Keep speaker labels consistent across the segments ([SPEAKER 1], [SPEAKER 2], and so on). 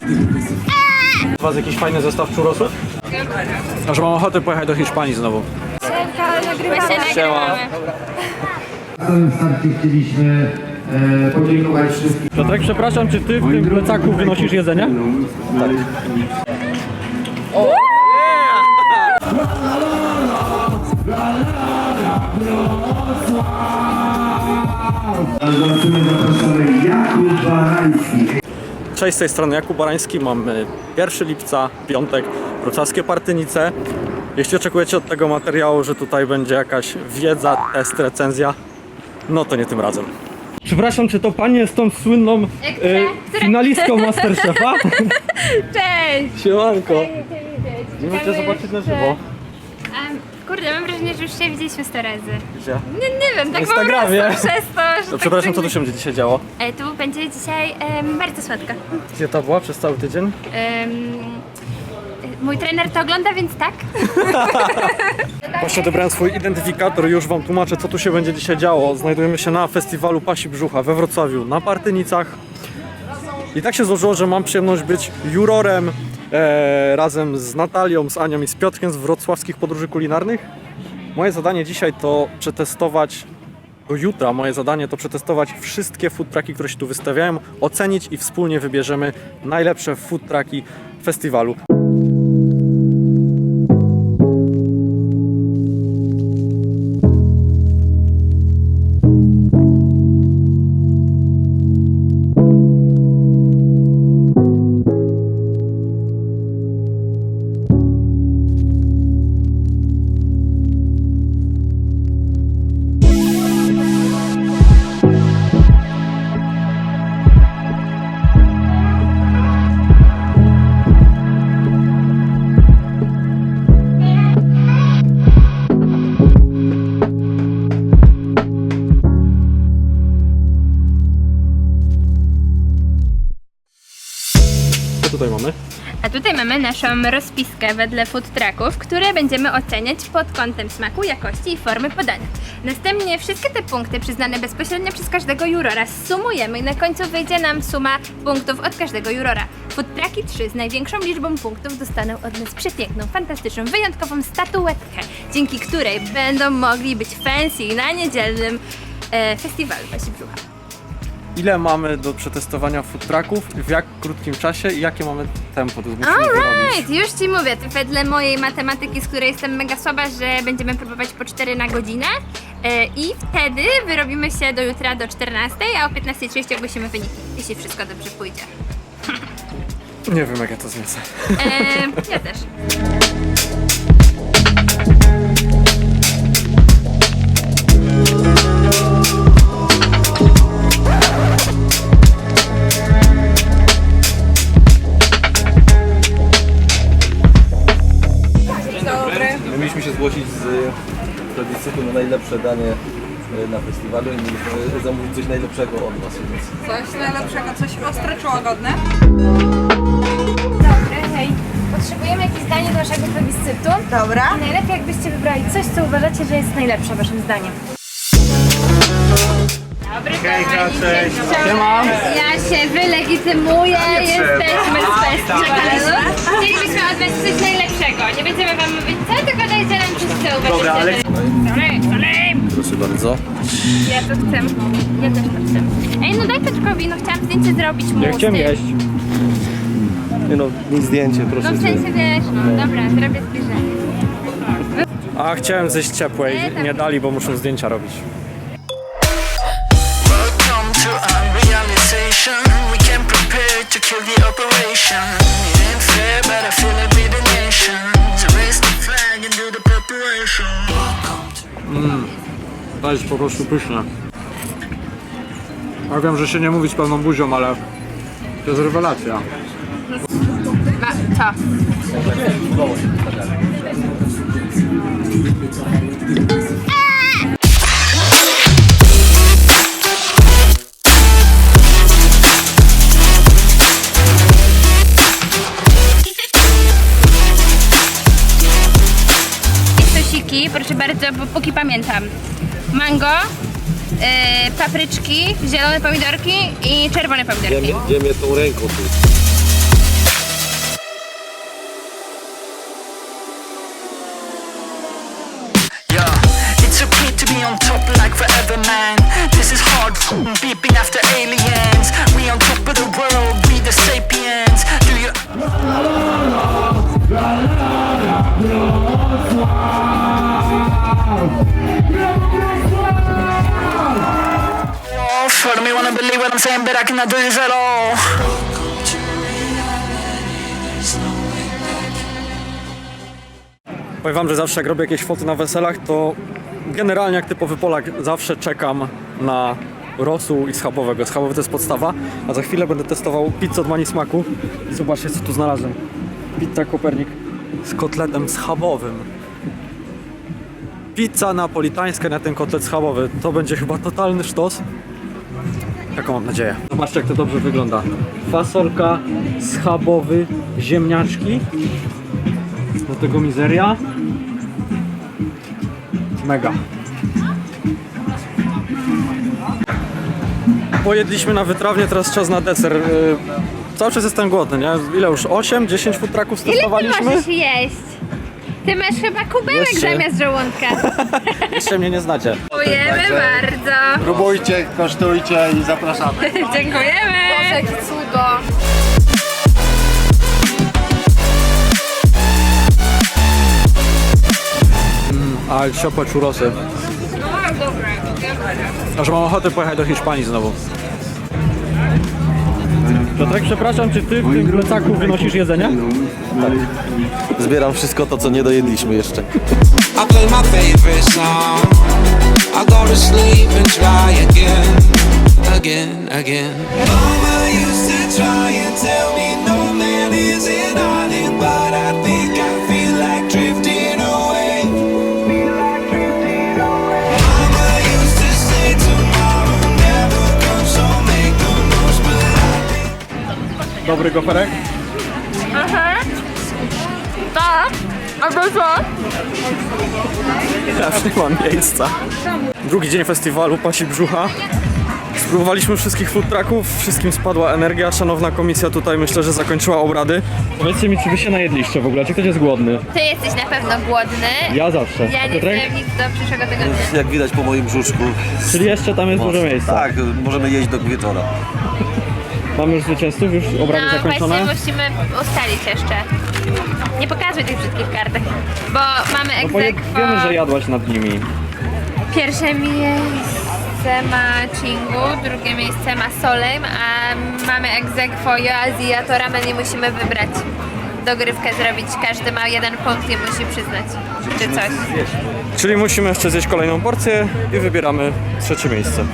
[SPEAKER 1] U was jakiś fajny zestaw churrosów? A że mam ochotę pojechać do Hiszpanii znowu.
[SPEAKER 2] Siema.
[SPEAKER 3] Na samym starcie chcieliśmy podziękować wszystkim.
[SPEAKER 1] Piotrek, przepraszam, czy ty w tym plecaku wynosisz jedzenie? Tak.
[SPEAKER 3] Zapraszamy Jakub Barański.
[SPEAKER 1] Cześć, z tej strony Jakub Barański, mamy 1 lipca, piątek, wrocławskie Partynice. Jeśli oczekujecie od tego materiału, że tutaj będzie jakaś wiedza, test, recenzja, no to nie tym razem. Przepraszam, czy to pani jest tą słynną finalistką Masterchefa?
[SPEAKER 2] Cześć!
[SPEAKER 1] Siemanko! Nie
[SPEAKER 2] Ciekawe,
[SPEAKER 1] możecie zobaczyć na żywo.
[SPEAKER 2] Kurde, mam wrażenie, że już się widzieliśmy 100 razy.
[SPEAKER 1] Gdzie?
[SPEAKER 2] Nie wiem, tak po
[SPEAKER 1] Instagramie.
[SPEAKER 2] prostu przez to, że
[SPEAKER 1] To
[SPEAKER 2] tak
[SPEAKER 1] przepraszam, co
[SPEAKER 2] fajnie-
[SPEAKER 1] tu się będzie dzisiaj działo?
[SPEAKER 2] Tu będzie dzisiaj bardzo słodko.
[SPEAKER 1] Dieta była przez cały tydzień?
[SPEAKER 2] Mój trener to ogląda, więc tak.
[SPEAKER 1] Właśnie odebrałem swój identyfikator i już wam tłumaczę, co tu się będzie dzisiaj działo. Znajdujemy się na festiwalu Pasi Brzucha we Wrocławiu na Partynicach. I tak się złożyło, że mam przyjemność być jurorem razem z Natalią, z Anią i z Piotrkiem z wrocławskich podróży kulinarnych. Moje zadanie dzisiaj to przetestować, do jutra moje zadanie to przetestować wszystkie food trucki, które się tu wystawiają, ocenić i wspólnie wybierzemy najlepsze food trucki festiwalu. Co tutaj mamy?
[SPEAKER 2] A tutaj mamy naszą rozpiskę wedle food trucków, które będziemy oceniać pod kątem smaku, jakości i formy podania. Następnie wszystkie te punkty przyznane bezpośrednio przez każdego jurora sumujemy i na końcu wyjdzie nam suma punktów od każdego jurora. Food trucki 3 z największą liczbą punktów dostaną od nas przepiękną, fantastyczną, wyjątkową statuetkę, dzięki której będą mogli być fancy na niedzielnym festiwalu Pasi Brzucha.
[SPEAKER 1] Ile mamy do przetestowania food trucków, w jak krótkim czasie i jakie mamy tempo? To musimy wyrobić.
[SPEAKER 2] Alright, już Ci mówię, to wedle mojej matematyki, z której jestem mega słaba, że będziemy próbować po 4 na godzinę i wtedy wyrobimy się do jutra do 14, a o 15:30 ogłosimy wyniki, jeśli wszystko dobrze pójdzie.
[SPEAKER 1] Nie wiem, jak ja to zniosę.
[SPEAKER 2] Ja też.
[SPEAKER 4] My mieliśmy się zgłosić z plebiscytu na najlepsze danie na festiwalu i mieliśmy zamówić coś najlepszego od was. Więc...
[SPEAKER 5] Coś najlepszego, coś ostre czy łagodne?
[SPEAKER 6] Dobry, hej. Potrzebujemy jakieś zdanie do naszego plebiscytu.
[SPEAKER 5] Dobra.
[SPEAKER 6] I najlepiej jakbyście wybrali coś, co uważacie, że jest najlepsze waszym zdaniem.
[SPEAKER 2] Dobry, kochani,
[SPEAKER 1] cześć.
[SPEAKER 2] dzień dobry.
[SPEAKER 1] Siema.
[SPEAKER 2] Ja się wylegitymuję, jesteśmy z festiwalu. Chcielibyśmy od was coś najlepszego, nie będziemy wam mówić co, tylko dajcie nam coś, co uważacie.
[SPEAKER 1] Dobra, ale-
[SPEAKER 2] Salim!
[SPEAKER 4] Proszę bardzo.
[SPEAKER 2] Ja to chcę. Ja też to chcę. Ej, no daj Piotrkowi, no chciałam zdjęcie zrobić mu.
[SPEAKER 1] Ja
[SPEAKER 2] z
[SPEAKER 1] chciałem
[SPEAKER 2] tym.
[SPEAKER 1] jeść.
[SPEAKER 4] Nie no, nic zdjęcie, proszę
[SPEAKER 2] No w
[SPEAKER 4] cię.
[SPEAKER 2] sensie wiesz, no dobra, zrobię zbliżenie.
[SPEAKER 1] A chciałem zejść ciepłej, nie dali, bo muszą zdjęcia robić.
[SPEAKER 7] Welcome to unrealization. We came prepared to kill the operation. It ain't fair, but I feel it be the nation. To raise the flag and do the preparation.
[SPEAKER 1] To jest po prostu pyszne. Ja wiem, że się nie mówi z pełną buzią, ale to jest rewelacja.
[SPEAKER 2] Co? Sosiki, proszę bardzo, bo póki pamiętam. Mango, papryczki, zielone pomidorki i czerwone pomidorki.
[SPEAKER 4] Gdzie mnie tą ręką tu?
[SPEAKER 7] like forever, man. This is hard, beeping after aliens. We on top of the world, we the sapiens. Do you? For me wanna believe what I'm saying, but I cannot do this at all.
[SPEAKER 1] Powiem wam, że zawsze jak robię jakieś foty na weselach, to generalnie jak typowy Polak zawsze czekam na rosół i schabowego. Schabowy to jest podstawa, a za chwilę będę testował pizzę od Mani Smaku. I zobaczcie, co tu znalazłem. Pizza Kopernik z kotletem schabowym. Pizza napolitańska na ten kotlet schabowy. To będzie chyba totalny sztos. Taką mam nadzieję. Zobaczcie, jak to dobrze wygląda. Fasolka, schabowy, ziemniaczki. Do tego mizeria. Mega. Pojedliśmy na wytrawnie, teraz czas na deser. Cały czas jestem głodny, nie? Ile już? 8-10 food trucków
[SPEAKER 2] Ile ty
[SPEAKER 1] stosowaliśmy?
[SPEAKER 2] możesz jeść? Ty masz chyba kubełek
[SPEAKER 1] Jeszcze.
[SPEAKER 2] zamiast żołądka.
[SPEAKER 1] Jeszcze mnie nie znacie.
[SPEAKER 2] Dziękujemy bardzo.
[SPEAKER 8] Próbujcie, kosztujcie i zapraszamy.
[SPEAKER 2] Dziękujemy.
[SPEAKER 5] Jakie cudo.
[SPEAKER 1] Ale ciepłe churrosy. Aż mam ochotę pojechać do Hiszpanii znowu. Piotrek, przepraszam, czy ty w tym plecaku wynosisz jedzenie?
[SPEAKER 4] Zbieram wszystko to, co nie dojedliśmy jeszcze.
[SPEAKER 9] I play my favorite song. I go to sleep and try again. Mama used to try and tell me no man is an island, but I think I feel like drifting away. Mama used to say tomorrow never comes, so make the most, but I
[SPEAKER 1] Dobry goferek?
[SPEAKER 2] Tak. A to co?
[SPEAKER 1] Ja już nie mam miejsca. Drugi dzień festiwalu Pasi Brzucha. Spróbowaliśmy wszystkich food trucków, wszystkim spadła energia. Szanowna komisja tutaj myślę, że zakończyła obrady. Powiedzcie mi, czy wy się najedliście w ogóle, czy ktoś jest głodny?
[SPEAKER 2] Ty jesteś na pewno głodny.
[SPEAKER 1] Ja zawsze.
[SPEAKER 2] Ja nie
[SPEAKER 1] Piotrek?
[SPEAKER 2] wiem nic do przyszłego tygodnia.
[SPEAKER 4] Jak widać po moim brzuszku.
[SPEAKER 1] Czyli jeszcze tam jest dużo miejsca.
[SPEAKER 4] Tak, możemy jeść do wieczora.
[SPEAKER 1] Mamy już zwycięzców, już obrady
[SPEAKER 2] No
[SPEAKER 1] zakończone.
[SPEAKER 2] właśnie musimy ustalić jeszcze. Nie pokazuj tych brzydkich kartek, bo mamy
[SPEAKER 1] No bo
[SPEAKER 2] egzekwo.
[SPEAKER 1] wiemy, że jadłaś nad nimi.
[SPEAKER 2] Pierwsze miejsce ma Chingu, drugie miejsce ma Solem, a mamy egzekwo Joazji, a to ramen i musimy wybrać. Dogrywkę zrobić, każdy ma 1 punkt i musi przyznać, czy coś.
[SPEAKER 1] Czyli musimy jeszcze zjeść kolejną porcję i wybieramy trzecie miejsce.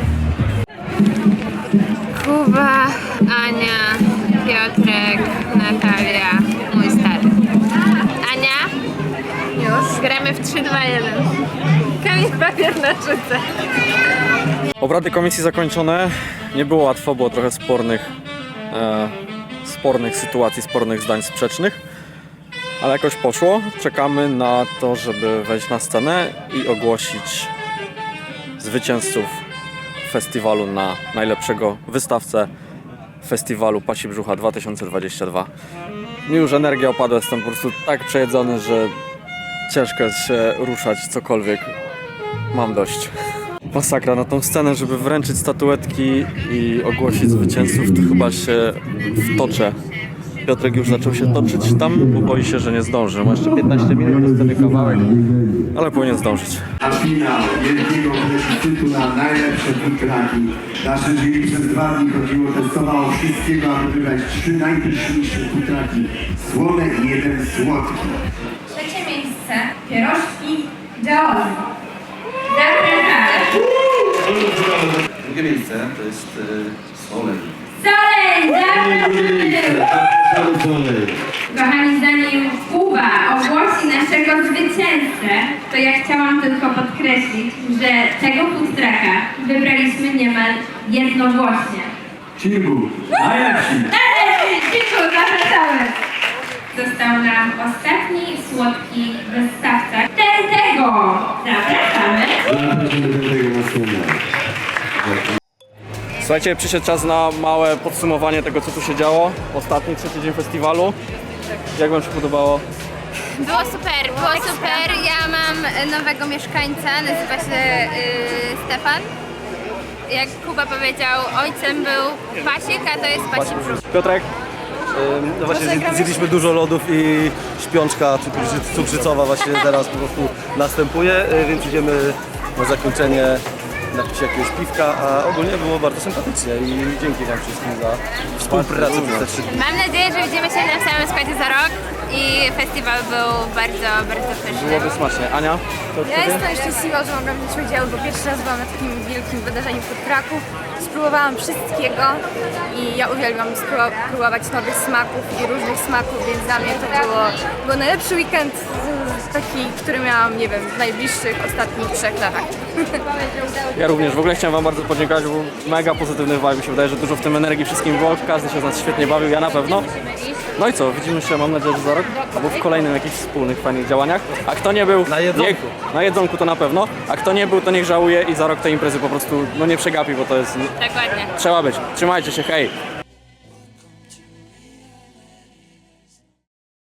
[SPEAKER 2] Kuba, Ania, Piotrek, Natalia, mój stary. Ania? Już? Gramy w 3-2-1. Kamień, papier, nożyce.
[SPEAKER 1] Obrady komisji zakończone. Nie było łatwo, było trochę spornych sytuacji, spornych zdań sprzecznych. Ale jakoś poszło. Czekamy na to, żeby wejść na scenę i ogłosić zwycięzców festiwalu na najlepszego wystawcę festiwalu Pasi Brzucha 2022. Mi już energia opadła, jestem po prostu tak przejedzony, że ciężko jest się ruszać, cokolwiek. Mam dość. Masakra na tą scenę, żeby wręczyć statuetki i ogłosić zwycięzców, to chyba się wtoczę. Piotrek już zaczął się toczyć tam, bo boi się, że nie zdąży. Ma jeszcze 15 minut do sceny kawałek, ale powinien zdążyć.
[SPEAKER 3] A finał wielkiego plebiscytu na najlepsze food trucki. Nasze jury przez 2 dni chodziło, testowało wszystkiego, aby wybrać 3 najpyszniejsze food trucki. Słone i 1 słodki.
[SPEAKER 2] Trzecie miejsce, pierożki Joazji. Zapraszamy.
[SPEAKER 4] Drugie miejsce to jest Solej.
[SPEAKER 2] Solej, zapraszamy. Kochani, zanim Kuba ogłosi naszego zwycięzcę, to ja chciałam tylko podkreślić, że tego food trucka wybraliśmy niemal jednogłośnie.
[SPEAKER 3] Chingu, najlepsi!
[SPEAKER 2] Dziękuję, zapraszamy. Został nam ostatni słodki wystawca. Tego zapraszamy.
[SPEAKER 3] Zapraszamy do tego na scenę.
[SPEAKER 1] Słuchajcie, przyszedł czas na małe podsumowanie tego, co tu się działo. Ostatni, trzeci dzień festiwalu. Jak wam się podobało?
[SPEAKER 2] Było super. Ja mam nowego mieszkańca, nazywa się Stefan. Jak Kuba powiedział, ojcem był Pasik, a to jest Pasi Brzuch.
[SPEAKER 1] Piotrek?
[SPEAKER 4] No właśnie zjedliśmy dużo lodów i śpiączka cukrzycowa właśnie teraz po prostu następuje, więc idziemy na zakończenie napić się jakiegoś piwka, a ogólnie było bardzo sympatycznie i dzięki wam wszystkim za współpracę przez te 3 dni.
[SPEAKER 2] Mam nadzieję, że widzimy się na samym składzie za rok i festiwal był bardzo pyszny.
[SPEAKER 1] Byłoby smacznie. Ania? Co
[SPEAKER 6] Ja jestem szczęśliwa, że mogłam wziąć udział, bo pierwszy raz byłam na takim wielkim wydarzeniu food trucków. Spróbowałam wszystkiego i ja uwielbiam próbować nowych smaków i różnych smaków, więc dla mnie to był najlepszy weekend taki, który miałam, nie wiem, w najbliższych ostatnich 3 latach.
[SPEAKER 1] Ja również. W ogóle chciałem wam bardzo podziękować, bo mega pozytywny vibe. Mi się wydaje, że dużo w tym energii wszystkim było. Każdy się z nas świetnie bawił, ja na pewno. No i co, widzimy się, mam nadzieję, że za rok, albo w kolejnym jakichś wspólnych, fajnych działaniach. A kto nie był...
[SPEAKER 4] Na jedzonku.
[SPEAKER 1] Na jedzonku to na pewno. A kto nie był, to niech żałuje i za rok tej imprezy po prostu nie przegapi, bo to jest...
[SPEAKER 2] Dokładnie.
[SPEAKER 1] Trzeba być. Trzymajcie się, hej!